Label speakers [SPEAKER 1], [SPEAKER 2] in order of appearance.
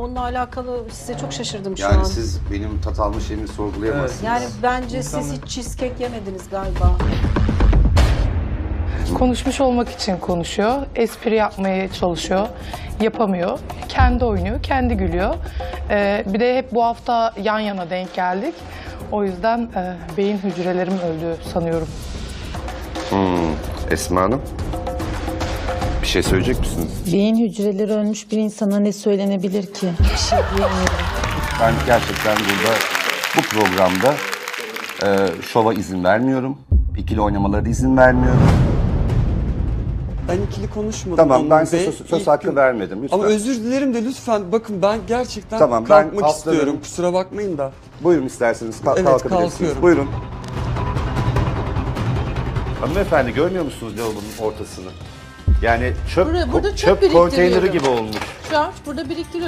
[SPEAKER 1] onunla alakalı size çok şaşırdım şu an.
[SPEAKER 2] Yani siz benim tat alma şeyimi sorgulayamazsınız.
[SPEAKER 1] Yani bence siz hiç cheesecake yemediniz galiba.
[SPEAKER 3] Konuşmuş olmak için konuşuyor, espri yapmaya çalışıyor, yapamıyor. Kendi oynuyor, kendi gülüyor. Bir de hep bu hafta yan yana denk geldik. O yüzden beyin hücrelerim öldü sanıyorum.
[SPEAKER 2] Esma Hanım, bir şey söyleyecek misiniz?
[SPEAKER 4] Beyin hücreleri ölmüş bir insana ne söylenebilir ki? Bir şey diyemiyorum.
[SPEAKER 2] Ben gerçekten burada, bu programda şova izin vermiyorum. İkili oynamalara da izin vermiyorum.
[SPEAKER 5] Ben ikili konuşmadım.
[SPEAKER 2] Tamam, ben
[SPEAKER 5] Anıl
[SPEAKER 2] size
[SPEAKER 5] Bey.
[SPEAKER 2] söz
[SPEAKER 5] İlk
[SPEAKER 2] hakkı
[SPEAKER 5] gün-
[SPEAKER 2] vermedim. Lütfen.
[SPEAKER 5] Ama özür dilerim de lütfen bakın ben gerçekten
[SPEAKER 2] Tamam, ben
[SPEAKER 5] kalkmak
[SPEAKER 2] haftaların-
[SPEAKER 5] istiyorum. Kusura bakmayın da.
[SPEAKER 2] Buyurun isterseniz
[SPEAKER 5] Evet,
[SPEAKER 2] kalkabilirsiniz.
[SPEAKER 5] kalkıyorum.
[SPEAKER 2] Buyurun. Hanımefendi görmüyor musunuz lavabonun ortasını? Yani çöp,
[SPEAKER 6] Burada çöp
[SPEAKER 2] çöp
[SPEAKER 6] biriktiriyorum.
[SPEAKER 2] konteyneri gibi olmuş.
[SPEAKER 6] Şu an burada biriktiriyorum.